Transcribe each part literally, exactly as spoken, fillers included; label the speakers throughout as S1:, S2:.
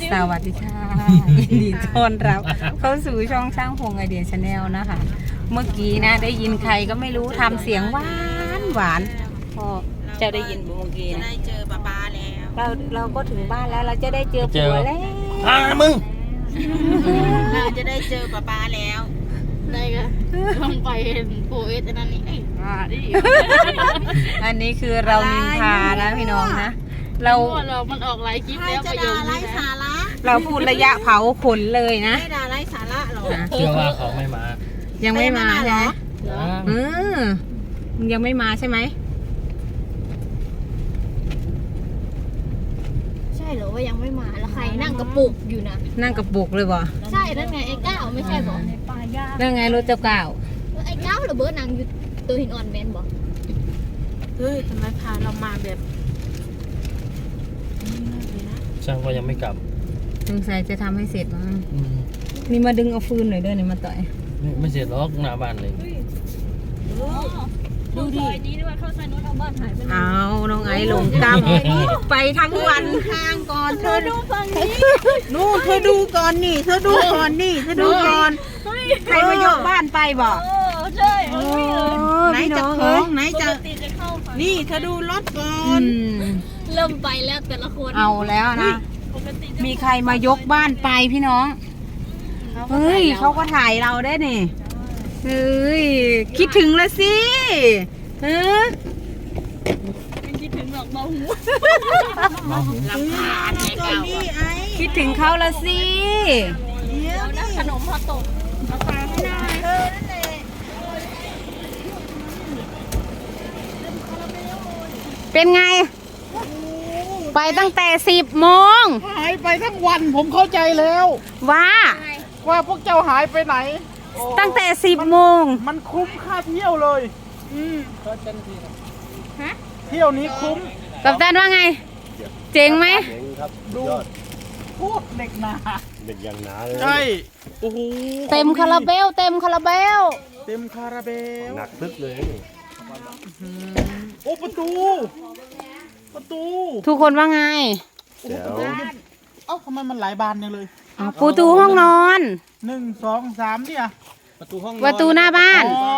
S1: สวัสดีค่ะยินดีต้อนรับเข้าสู่ช่องช่างพงไอเดียชาแนลนะคะ เมื่อกี้นะได้ยินใครก็ไม่รู้ทำเสียงหวานหวานพอเจ้าได้ยินเมื่อกี้
S2: จะ
S1: นะ
S2: ได้เจอป้าป้าแล้ว
S1: เราเราก็ถึงบ้านแล้วเราจะได้เจอผัวแล้ว
S3: อ่ามึง
S2: เราจะได้เจอป้าป้าแล้ว
S4: ได้ก็ลองไปเห็นโปรเอสอันนั้นนี่เอ้ยอ่าดิ
S1: อันนี้คือเรานินทานะพี่น้องนะเรา
S4: เรา มันออกหลายคลิป
S2: ใคร
S4: แล้ว
S2: จะ
S4: ประโย
S2: ด่า
S4: ค
S2: ไร้
S4: นี้
S2: สา
S4: นะ
S2: ระ
S1: เราพูดระยะเผาขนเลยนะ
S2: ไม่ด่าไร้สาระหรอก
S3: เชื่อว่าเขาไม่มา
S1: ยังไม่มาใช่ไหม
S3: ยัง
S1: เออมึงยังไม่มาใช่ไหม
S4: ใช่เหรอว่ายังไม่มาแล้วใครนั่งกระปุกอยู่นะ
S1: นั่งกระปุกเลยบ่
S4: ใช่นั่นไงไอ้ก้าวไม่ใช่บอกในป่าหญ้า
S1: เรื่องไงรถเจ้าก่าว
S4: ไอ้ก้าวหรือเบิร์ดนางอยู่ตัวหินอ่อนแมนบอก
S2: เฮ้ยทำไมพาเรามาแบบ
S3: ช่างก็ยังไม่กลับ
S1: สงสัยจะทำให้เสร็จมั้ง
S3: อืม
S1: นี่มาดึงเอาฟืนหน่อยเด้อนี่มาต่อย
S3: ไม่ไม่เสร็จหรอกหน้าบ้านเลย
S4: ดูดินี้ด้วยเข้าซอยนู้นเอาบ้านหายไป
S1: เอาน้องไอ้หลงกำไปทั้งวันทางก่อนเธอดู
S4: ฝั่งนี้
S1: นู่นเธอดูก่อนนี่เธอดูก่อนนี่เธอดูก่อนใครมายกบ้านไปบ่
S4: โอ้ใช่เออ
S2: ไหนจะของไหน
S4: ป
S2: จะ
S4: กติจะเข้าฝั่ง
S2: นี่เธอดูรถก่อ
S1: อื
S2: น
S1: ม
S4: เริ่มไปแล้วแต่ละคน
S1: เอาแล้วนะ
S4: ปกติ
S1: มีใครมายกบ้านไปพี่น้องเฮ้ยเขาก็ถ่ายเราได้นี่เฮ้ยคิดถึงละสิเออ
S4: ไม่คิดถึงหรอกเบาหู
S3: มาหู
S2: ลำพานไอ้เก่านี่ไอ้
S1: คิดถึงเขาละสิ
S2: เดี๋ยว
S4: แล้ว
S2: นี่
S4: ขนมพอตก
S2: มาฝากให้หน่อยเธอนั่นแหละ
S1: เป็นไง ไปตั้งแต่สิบโมง
S5: หายไปทั้งวันผมเข้าใจแล้ว
S1: ว่า
S5: ว่าพวกเจ้าหายไปไหน
S1: ตั้งแต่สิบโมง
S5: มันคุ้มค่าเที่ยวเลยอืมเที่ยวนี้คุ้ม
S1: กับตันว่าไง เจ๋งไหม
S6: เจ๋งครับ
S5: ดูพูดเด็กหนา
S6: เด็กอย่างหนาเลย
S5: ใช่โอ้โห
S1: เต็มคาราเบล เต็มคาราเบล
S5: เต็มคาราเบล
S6: หนักพึกเลยนี่
S5: โอ้ประตู ประตู
S1: ทุกคนว่าไง
S6: เดี๋ยว
S5: เอ้าทำไมมันหลายบานจังเลย
S1: อ้าวประตูห้องนอน
S5: หนึ่งสองสามเนี่ย
S3: ประตูห้อง
S1: ประตูหน้าบ้าน
S5: อ๋อ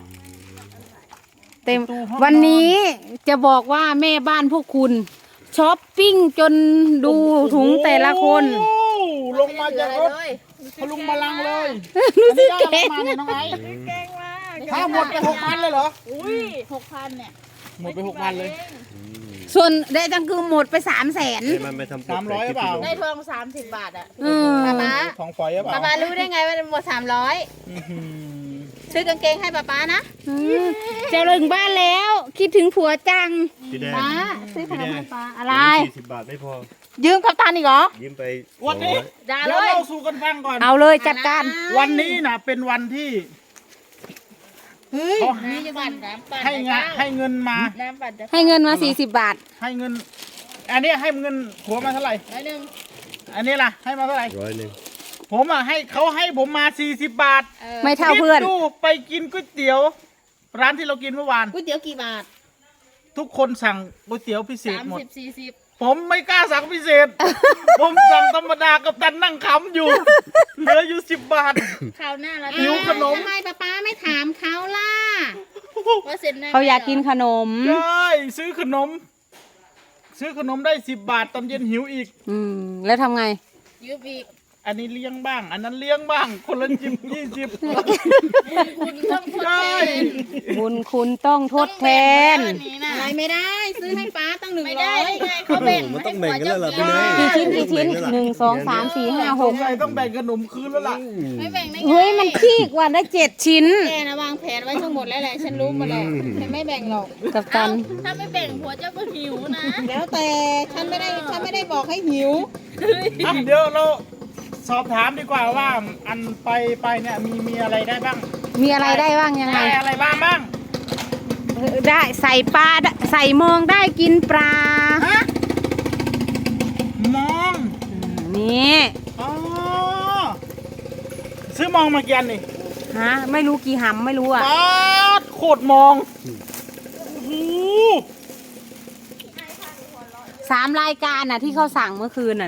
S1: เต็ม
S5: ประตูห้องนอน
S1: วันนี้จะบอกว่าแม่บ้านพวกคุณช้อปปิ้งจนดูถุงแต่ละคน
S5: โอ้ลงมาจากรถพลุงมาลังเลย
S1: รู้สึก
S5: อัน
S1: เก่
S5: นี้
S1: ง
S5: ได้อะไรมาเนี่ยน้องไอ้
S4: เก่งมาก
S5: ถ้าหมดไปหกพันเลยเหรอ
S4: อุ้ยหกพันเนี่ย
S5: หมดไปหกพันเลย
S1: ส่วนได้จังคือหมดไปสามแสน
S6: เอ้ยมันไม่ทำ
S5: สามร้อยเปล่า
S4: ได้ทองสามสิบบาทอ่ะ
S1: อืม
S4: ป๊าป๊า
S5: ของฝอยหรือเป
S4: ป๊า
S5: ล่า
S4: ป๊ารู้ได้ไงว่าหมดสามร้อย
S5: อื้อหือ
S4: ซื้อกางเกงให้ป๊าป๊านะ
S1: อืมจะถึงบ้านแล้ว คิดถึงผัวจัง
S6: พี่แดง
S1: ป้าซื้อขนมให้ป้าอะไร
S6: สี่สิบบาทไม่พอ
S1: ยืมกับตันอีกเหรอ
S6: ยิ้มไป
S5: วันนี้
S4: ด่า
S5: เดี๋
S4: เลย
S5: วย เราสู่กันฟังก่อน
S1: เอาเลยจัดการ
S5: วันนี้นะเป็นวันที่
S4: เฮ้ย
S5: เขา
S4: นี่จะปั่นน้ำปั่น
S5: ให้งะให้เงินมา
S4: น้ำปั่นจะ
S1: ให้เงินมาสี่สิบบาท
S5: ให้เงิน อันนี้ให้เงินผัวมาเท่าไหร่
S4: ร้อยหนึ่ง
S5: อันนี้ล่ะ ให้มาเท่าไหร่
S6: ร้อยหนึ่ง
S5: ผมอ่ะให้เขาให้ผมมาสี่สิบบาท
S4: เออ
S1: ไม่เท่าเพื่อน
S5: คิดดูไปกินก๋วยเตี๋ยว ร้านที่เรากินเมื่อวาน
S4: ก๋วยเตี๋ยวกี่บาท
S5: ทุกคนสั่งก๋วยเตี๋ยวพิเศษ
S4: สาม
S5: หมด
S4: สิบสี่สิบ
S5: ผมไม่กล้าสั่งพิเศษ ผมสั่งธรรมดากับตันนั่งขำอยู่ เหลืออยู่สิบบาท
S4: คราวหน้าเรา
S5: หิวขนม
S4: ทำไมป๊าป๊าไม่ถามเขาล่ะว่าเซ็นได้ไหม
S1: เขาอยากกินขนม
S5: ใช่ซื้อขนม ซื้อขนมได้สิบบาทตอนเย็นหิวอีก
S1: อืม แล้วทำไง
S4: ยืมอีก
S5: อันนี้เลี้ยงบ้าง อันนั้นเลี้ยงบ้าง คนละจิบยี่สิบ
S4: คุณต้องทด
S5: ใช่
S4: แทน
S1: บุญคุณต้องทดแทน
S4: ต้องแบ่งวันนี้นะ
S2: อะไรไม่ได้ ซื้อให้ป้าตั้งหนึ่ง
S4: ไม่
S2: ร้
S4: ได้
S2: อย
S4: ไงเขาแบ่ง
S6: มันต้องแบ่งกันแล้วล่ะพี่เนย
S1: กี่ชิ้นกี่ชิ้นหนึ่งสองสามสี่ห้าห
S5: ส
S1: ก
S5: งสัยต้องแบ่งขนมคืนแล้วล่ะ
S4: ไม่แบ่งได้ไง
S1: เฮ้ย มันขี้กว่าได้เจ็ดชิ้น
S4: แกนะวางแผนไว้ทั้งหมดแล้วแหละฉันรู้หมดแล้วฉันไม่แบ่งหรอก
S1: กับตัน
S4: เอ้าถ้าไม่แบ่งผัวเจ้าก็หิวนะ
S2: แล้วแต่ฉันไม่ได้ฉันไม่ได้บอกให้หิว
S5: อ่ะเดี๋ยวเราสอบถามดีกว่าว่าอันไปไปเนี่ยมีมีอะไรได้บ้าง
S1: มีอะไรได้บ้างยังไง
S5: ได้อะไรบ้างบ้าง
S1: ได้ใส่ปลาใส่มองได้กินปลา
S5: มอง
S1: นี่
S5: อ๋อซื้อมองมากี่อันนี่
S1: ฮะ ไม่รู้กี่หำไม่รู้อ่ะ
S5: ป๊าดโคตรมองโอ้โห
S1: สามรายการน่ะที่เขาสั่งเมื่อคืนน่ะนะ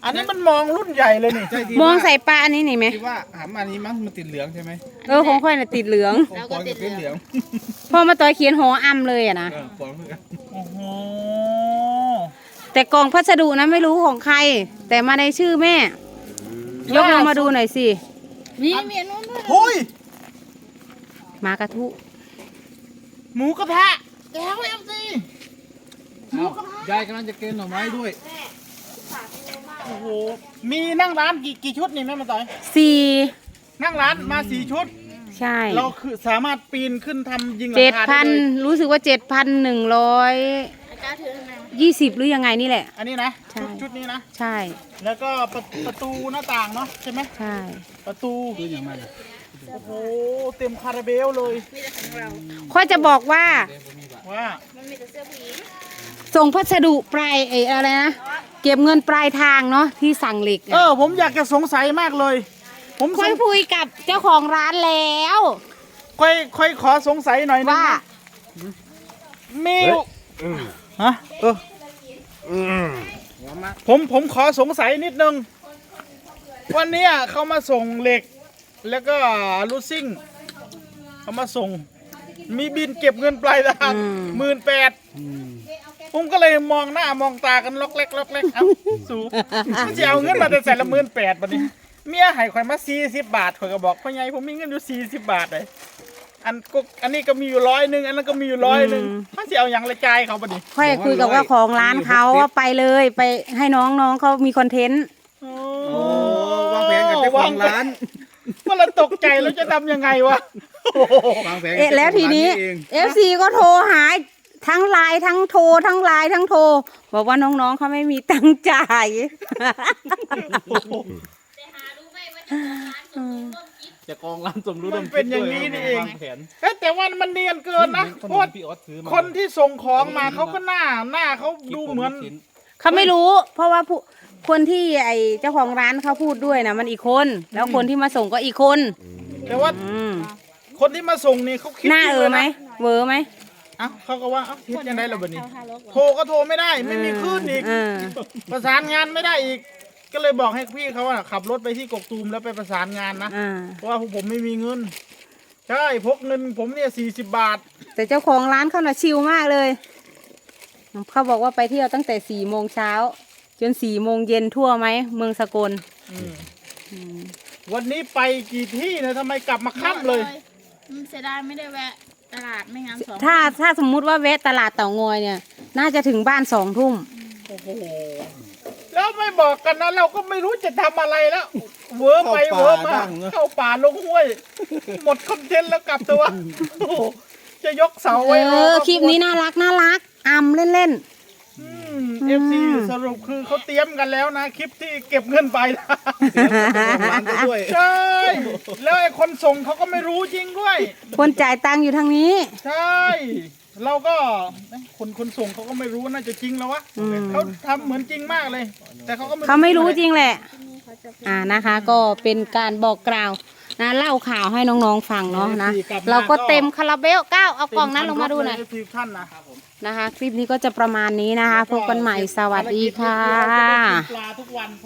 S5: อันนี้มันมองรุ่นใหญ่เลยนี่
S1: มองใส่ปลาอันนี้นี่ไหม
S7: คิดว่าหำอันนี้มั้งมันติดเหลืองใช่ไหม
S1: เออของค่อยน่ะติดเหลือง
S7: ของปอนกับเป็นเหลือง
S1: พอมาต่อยเขียนหออำเลยอะนะ
S7: เออปอนเหมือนกัน
S5: โอ้โห
S1: แต่กล่องพัสดุนะไม่รู้ของใคร แต่มาในชื่อแม่ ยกลงมาดูหน่อยสิ
S4: นี่มีอันนู้นด้วย
S5: เฮ้ย
S1: หมากระทุ
S5: หมูกระทะแล้วเอ็มซี
S7: ยายกำลังจะเกณฑ์หน่อไม้ด้วย
S5: โอ้โหมีนั่งร้านกี่กี่ชุดนี่แม่มาต่อย
S1: สี่
S5: นั่งร้านมาสี่ชุด
S1: ใช่
S5: เราคือสามารถปีนขึ้นทำยิงหลั
S1: เจ็
S5: ง
S1: ด
S5: คา
S1: พั
S5: ได้
S1: น
S5: เลย
S1: รู้สึกว่าเจ็ดพันหนึ่งร้อย
S4: ไอ้ก้าถือทำไมวะ
S1: ยี่สิบหรือยังไงนี่แหละ
S5: อันนี้นะ
S1: ใช่
S5: ชุดชุดนี้นะ
S1: ใช่
S5: แล้วก็ประประตูหน้าต่างเนาะใช่ไหม
S1: ใช่
S5: ประตู
S7: คืออย่างไร
S5: โอ้โหเต็มคาราเบลเลย
S4: มีแต่ของเรา
S1: ค่อยจะบอกว่า
S5: ว่า
S4: มันมีแต่เสื้อผู้หญิง
S1: ส่งพัสดุปลายเอออะไรนะ เก็บเงินปลายทางเนาะที่สั่งเหล็ก
S5: เอ
S1: อะ
S5: อผมอยากจะสงสัยมากเลย ผม
S1: ค่อยคุยกับเจ้าของร้านแล้ว
S5: ค่อยค่อยขอสงสัยหน่อยนึง
S1: ว่า
S5: นะมี
S6: เฮ้ยอืม
S5: ฮะเออ
S6: อืม
S5: ผมผมขอสงสัยนิดนึง วันเนี้ยเขามาส่งเหล็ก แล้วก็ลูซิ่งเขามาส่ง มีบินเก็บเงินปลายทางหมื่นแปดผมก็เลยมองหน้ามองตากันล็อกเล็กล็อกเล็กเอ้าสูมันจะเอาเงินมาแต่ใส่ละหมื่นแปดบัดนี้ เมียให้ข่อยมาสี่สิบบาทข่อยก็บอกพ่อใหญ่ผมมีเงินอยู่สี่สิบบาทเลยอันก็อันนี้ก็มีอยู่ร้อยหนึ่งอันนั้นก็มีอยู่ร้อยหนึ่งมันจะเอาอย่างละใจายเขาบัดนี้
S1: ค่อยคุยกับเจ้าของร้านเขาว่าไปเลยไปให้น้องน้องเขามีคอนเทนต์
S5: โอ้
S7: โอ้วางแผนกับเจ้าของร้าน
S5: ก็เราตกใจแล้วจะทำยังไงวะ
S7: วางแผนกับ
S1: เอ๊ะ
S7: เจ้าของ
S1: แล้วทีนี้
S7: ร้าเอง
S1: เอฟซีก็โทรหาทั้งไลน์ทั้งโทรทั้งไลน์ทั้งโทรบอกว่าน้องๆเขาไม่มีตังค์จ่าย
S7: เจะกองร้านสมรู้
S5: มันเป็นอย่างนี้นี่เอง
S7: วางแผน
S5: เอ๊ะแต่ว่ามันเนียนเกินนะเพราะว่า
S7: พี่ออสซื้อมา
S5: คนที่ส่งของมาเขาก็หน้าหน้าเขาดูเหมือน
S1: เขาไม่รู้ เพราะว่าผู้คนที่ไอเจ้าของร้านเขาพูดด้วยนะมันอีกคน แล้วคนที่มาส่งก็อีกคน
S5: แต่ว่า
S1: อืม
S5: คนที่มาส่งนี่เขาคิด
S1: หน้าเออไหม
S5: จริงลยนะ
S1: เวอร์ไหม
S5: เอ้าเขาก็ว่าเอ้าคิดยังไงล่ะบัดนี้ โทรก็โทรไม่ได้ไม่มีคลื่นอีก
S1: เออ
S5: ประสานงานไม่ได้อีก ก็เลยบอกให้พี่เขาอะขับรถไปที่กกตูมแล้วไปประสานงานนะ
S1: อ่า
S5: เพราะว่าผมไม่มีเงิน ใช่พกเงินผมเนี่ยสี่สิบบาท
S1: แต่เจ้าของร้านเขาน่ะชิลมากเลย เขาบอกว่าไปเที่ยวตั้งแต่สี่โมงเช้าจนสี่โมงเย็นทั่วไหมเมืองสกล
S5: วันนี้ไปกี่ที่นะทำไมกลับมาค่ำเลย
S4: มันเสียดายไม่ได้แวะตลาดไม่งั้นสอง
S1: ถ้าถ้าสมมุติว่าแวะตลาดเต่างอยเนี่ย น่าจะถึงบ้านสองทุ่ม
S5: โอ้โห แล้วไม่บอกกันนะเราก็ไม่รู้จะทำอะไรแล้ว เวอร์ไปเวอร์มาเข้าป่าลงห้วย หมดคอนเทนต์แล้วกลับตัวโอ้โหจะยกเสา
S1: เอ
S5: ไว้ร
S1: อ คลิปนี้น่ารักน่ารักอำเล่น
S5: เอฟซีสรุปคือเขาเตรียมกันแล้วนะ คลิปที่เก็บเงินไปนะ
S1: ๆ
S7: ร้านก็ด้วย
S5: ใช่ แล้วไอ้คนส่งเขาก็ไม่รู้จริงด้วย
S1: คนจ่ายตังค์อยู่ทางนี้
S5: ใช่ เราก็เอ๊ะคนคนส่งเขาก็ไม่รู้ว่าน่าจะจริงแล้ววะ
S1: อืม
S5: เขาทำเหมือนจริงมากเลย แต่เขาก็
S1: เขาไม่รู้จริงแหละ อ่านะคะ ก็เป็นการบอกกล่าวนะเล่าข่าวให้น้องๆฟังเนาะนะ เราก็เต็มคาราเบลเก้าเอากล่องนั้นลงมาดูหน่อย
S5: ทีท่านนะ
S1: นะคะ คลิปนี้ก็จะประมาณนี้นะคะ พบกันใหม่สวัสดีค่ะ
S5: ปลาทุกวัน